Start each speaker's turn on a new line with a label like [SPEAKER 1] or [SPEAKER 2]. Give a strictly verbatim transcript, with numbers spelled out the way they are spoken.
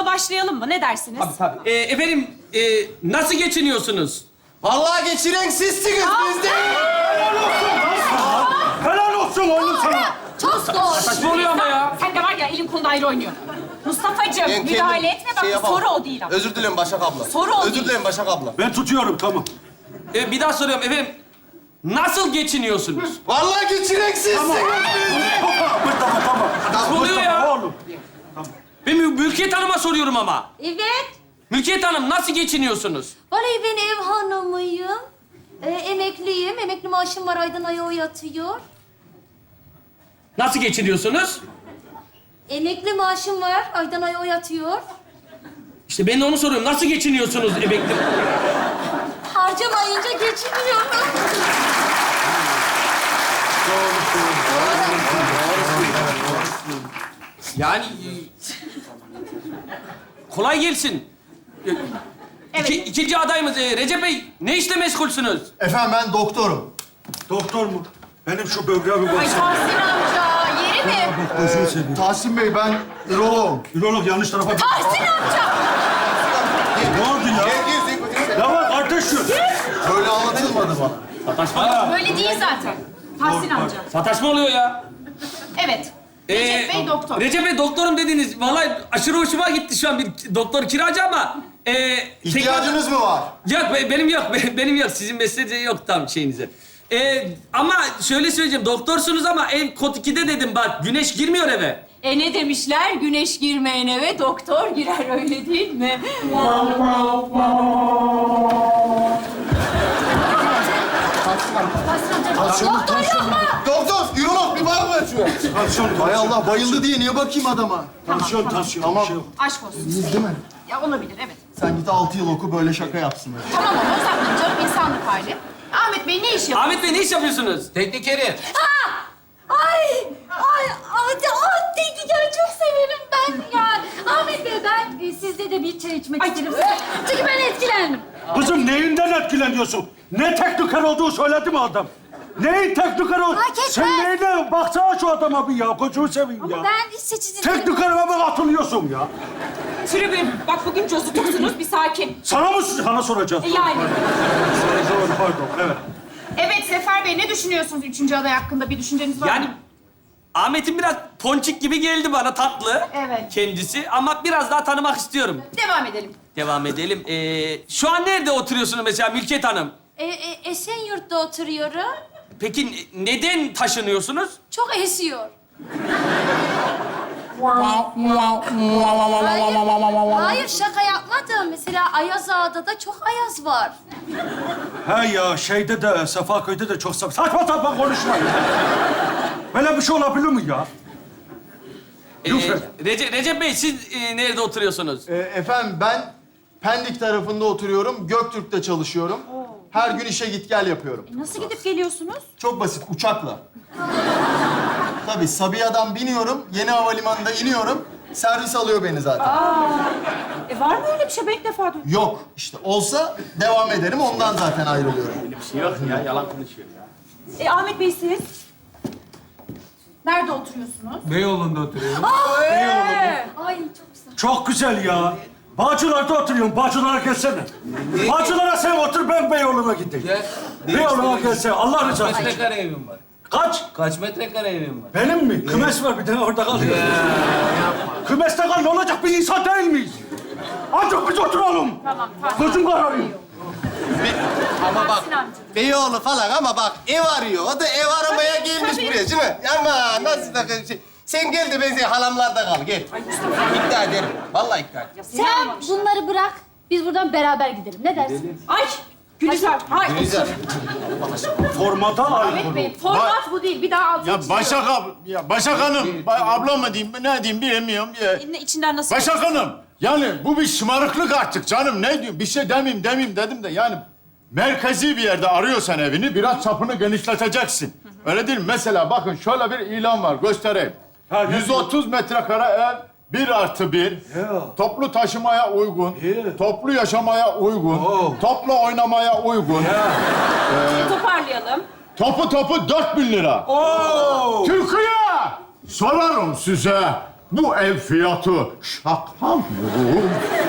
[SPEAKER 1] sorumuza başlayalım mı? Ne dersiniz?
[SPEAKER 2] Tabii tabii. Ee, efendim, e, nasıl geçiniyorsunuz?
[SPEAKER 3] Vallahi geçiren sizsiniz biz değil.
[SPEAKER 4] Helal olsun oğlum sana.
[SPEAKER 1] Çok doğru.
[SPEAKER 2] Saçma oluyor ama ya.
[SPEAKER 1] Sen de var ya elin kolun ayrı oynuyor. Mustafa'cığım
[SPEAKER 3] Ben
[SPEAKER 1] müdahale
[SPEAKER 3] kendim
[SPEAKER 1] etme bak
[SPEAKER 3] şey yapamam.
[SPEAKER 1] soru o değil ama.
[SPEAKER 3] Özür dilerim Başak abla.
[SPEAKER 1] Soru o
[SPEAKER 3] Özür
[SPEAKER 1] değil.
[SPEAKER 3] dilerim Başak abla.
[SPEAKER 4] Ben tutuyorum tamam.
[SPEAKER 2] Ee, bir daha soruyorum efendim. Nasıl geçiniyorsunuz?
[SPEAKER 3] Vallahi geçiren sizsiniz.
[SPEAKER 4] Tamam tamam tamam.
[SPEAKER 2] Nasıl oluyor ya?
[SPEAKER 4] Oğlum.
[SPEAKER 2] Ben Mü- Mülkiyet Hanım'a soruyorum ama.
[SPEAKER 5] Evet.
[SPEAKER 2] Mülkiyet Hanım nasıl geçiniyorsunuz?
[SPEAKER 5] Vallahi ben ev hanımıyım. Ee, emekliyim. Emekli maaşım var. Aydan aya o yatıyor.
[SPEAKER 2] Nasıl geçiniyorsunuz?
[SPEAKER 5] Emekli maaşım var. Aydan aya o yatıyor.
[SPEAKER 2] İşte ben de onu soruyorum. Nasıl geçiniyorsunuz emekli?
[SPEAKER 5] Harcamayınca geçiniyorum.
[SPEAKER 2] Yani... e, kolay gelsin. E, İki, ikinci adayımız e, Recep Bey. Ne işle meşgulsünüz?
[SPEAKER 3] Efendim ben doktorum.
[SPEAKER 4] Doktor mu? Benim şu böbreğe bir
[SPEAKER 1] Ay
[SPEAKER 4] baksana.
[SPEAKER 1] Tahsin amca yeri mi?
[SPEAKER 4] Bak gözünü seveyim.
[SPEAKER 3] Tahsin Bey ben üroloğum.
[SPEAKER 4] Ürolog yanlış tarafa...
[SPEAKER 1] Tahsin amca!
[SPEAKER 4] Ne oldu ya?
[SPEAKER 3] Gel gel.
[SPEAKER 4] Ya bak kardeş şu.
[SPEAKER 3] Böyle anlatılmadı bana.
[SPEAKER 2] Sataşma.
[SPEAKER 1] Böyle değil zaten. Tahsin amca.
[SPEAKER 2] Sataşma oluyor ya.
[SPEAKER 1] Evet.
[SPEAKER 2] Ee,
[SPEAKER 1] Recep Bey doktor.
[SPEAKER 2] Recep Bey doktorum dediniz. Vallahi aşırı hoşuma gitti şu an bir doktor kiracı ama... E,
[SPEAKER 3] İhtiyacınız mı var?
[SPEAKER 2] Yok be- benim yok. Be- Benim yok. Sizin mesleğinize yok tam şeyinize. Ee, ama şöyle söyleyeceğim. Doktorsunuz ama ev kod ikide dedim bak. Güneş girmiyor eve.
[SPEAKER 1] E ne demişler? Güneş girmeyen eve doktor girer öyle değil mi?
[SPEAKER 5] Doktor yok mu?
[SPEAKER 3] Doktor, ürolog bir var mı şuraya?
[SPEAKER 4] Tansiyon,
[SPEAKER 3] Hay Allah bayıldı diye niye bakayım adama?
[SPEAKER 4] tansiyon, tansiyon.
[SPEAKER 3] Tamam.
[SPEAKER 4] Bir şey yok.
[SPEAKER 1] Aşk olsun.
[SPEAKER 3] İyiyiz değil mi?
[SPEAKER 1] Ya olabilir evet.
[SPEAKER 3] Sen git altı yıl oku böyle şaka yapsın. Öyle.
[SPEAKER 1] Tamam ama uzatmayın canım insanlık hali. Ahmet Bey ne iş yapıyor?
[SPEAKER 2] Ahmet Bey ne iş yapıyorsunuz?
[SPEAKER 6] Teknikeri.
[SPEAKER 5] Ay! Ay! Ay! Ay! Tekniker'i çok severim ben ya. Ahmet Bey ben e, sizde de bir çay içmek isterim. Çünkü ben etkilendim.
[SPEAKER 4] Kızım neyinden etkileniyorsun? Ne tekniker olduğu söyledi mi adam? Neyin tekniker olduğu?
[SPEAKER 5] Fark etmez.
[SPEAKER 4] Sen neyine? Baksana şu adama bir ya. Gözünü seveyim ya.
[SPEAKER 5] Ama ben seçici...
[SPEAKER 4] Teknikerime mi atılıyorsun ya?
[SPEAKER 1] Tribün. Bak bugün cozutuksunuz bir sakin.
[SPEAKER 4] Sana mı sana soracağız?
[SPEAKER 1] E yani.
[SPEAKER 4] Doğru, pardon, evet.
[SPEAKER 1] Evet Sefer Bey ne düşünüyorsunuz üçüncü aday hakkında? Bir düşünceniz var
[SPEAKER 2] Yani
[SPEAKER 1] mı?
[SPEAKER 2] Ahmet'in biraz ponçik gibi geldi bana tatlı.
[SPEAKER 1] Evet.
[SPEAKER 2] Kendisi ama biraz daha tanımak istiyorum.
[SPEAKER 1] Devam edelim.
[SPEAKER 2] Devam edelim. Ee, şu an nerede oturuyorsunuz mesela Mülkiyet Hanım?
[SPEAKER 5] E, e, Esenyurt'ta oturuyorum.
[SPEAKER 2] Peki ne- neden taşınıyorsunuz?
[SPEAKER 5] Çok esiyor. Hayır, hayır şaka yapmadım. Mesela Ayaz Ağa'da da çok ayaz var.
[SPEAKER 4] He ya şeyde de Sefaköy'de de çok saçma saçma sapan konuşma ya. Böyle bir şey olabilir mi ya?
[SPEAKER 2] Ee,
[SPEAKER 4] Lütfen.
[SPEAKER 2] Recep, Recep Bey siz e, nerede oturuyorsunuz?
[SPEAKER 3] Ee, efendim ben Pendik tarafında oturuyorum. Göktürk'te çalışıyorum. Her gün işe git gel yapıyorum.
[SPEAKER 1] Nasıl gidip geliyorsunuz?
[SPEAKER 3] Çok basit uçakla. Tabii Sabiha'dan biniyorum. Yeni havalimanında iniyorum. Servis alıyor beni zaten.
[SPEAKER 1] E var mı öyle bir şey? Ben ilk defa duydum.
[SPEAKER 3] Yok işte olsa devam ederim. Ondan zaten ayrılıyorum.
[SPEAKER 2] Yok ya yalan konuşuyor ya.
[SPEAKER 1] E Ahmet Bey siz? Nerede oturuyorsunuz?
[SPEAKER 6] Beyoğlu'nda oturuyorum.
[SPEAKER 5] Ay çok güzel.
[SPEAKER 4] Çok güzel ya. Bağcılar'da oturuyorum. Bağcılar'a gelsene. Bağcılar'a sen otur, ben Beyoğlu'na gideyim.
[SPEAKER 6] Gel.
[SPEAKER 4] Beyoğlu'na gelsene. Allah rızası
[SPEAKER 6] Kaç
[SPEAKER 4] için.
[SPEAKER 6] metrekare evim var?
[SPEAKER 4] Kaç?
[SPEAKER 6] Kaç metrekare evim var?
[SPEAKER 4] Benim mi? Kümes var bir tane orada kalıyor. Kümeste kal ne olacak? Bir insan değil miyiz? Ancak biz oturalım.
[SPEAKER 1] Tamam, tamam.
[SPEAKER 4] Gözüm kararıyor.
[SPEAKER 3] Ama bak
[SPEAKER 1] Tahsin amca.
[SPEAKER 3] Beyoğlu falan ama bak ev arıyor. O da ev aramaya gelmiş
[SPEAKER 1] tabii.
[SPEAKER 3] buraya değil mi? Ama nasıl da şey. Sen gel de ben seni halamlarda kal gel. İkna ederim. Vallahi ikna ederim.
[SPEAKER 5] Sen bunları bırak. Biz buradan beraber gidelim. Ne dersin?
[SPEAKER 1] Ay Gülizar. Hayır.
[SPEAKER 3] Güzel.
[SPEAKER 4] Formata
[SPEAKER 1] Ahmet
[SPEAKER 4] aykırı.
[SPEAKER 1] Bey format bu değil. Bir daha altını
[SPEAKER 7] Ya Başak ab ya Başak Hanım, ba- abla mı diyeyim, ne diyeyim bilemiyorum. Ya.
[SPEAKER 1] çizin. İçinden nasıl?
[SPEAKER 7] Başak Hanım, yani bu bir şımarıklık artık canım. Ne diyeyim, bir şey demeyeyim demeyeyim dedim de yani merkezi bir yerde arıyorsan evini biraz çapını genişleteceksin. Öyle değil mi? Mesela bakın şöyle bir ilan var, göstereyim.
[SPEAKER 4] Ha, ne
[SPEAKER 7] yüz otuz metrekare ev, bir artı bir,
[SPEAKER 4] Ya.
[SPEAKER 7] toplu taşımaya uygun,
[SPEAKER 4] Ya.
[SPEAKER 7] toplu yaşamaya uygun,
[SPEAKER 4] Oo.
[SPEAKER 7] toplu oynamaya uygun,
[SPEAKER 1] Toparlayalım.
[SPEAKER 7] topu topu dört bin lira.
[SPEAKER 4] Oo!
[SPEAKER 7] Türkiye! Sorarım size. bu ev fiyatı şaka mı?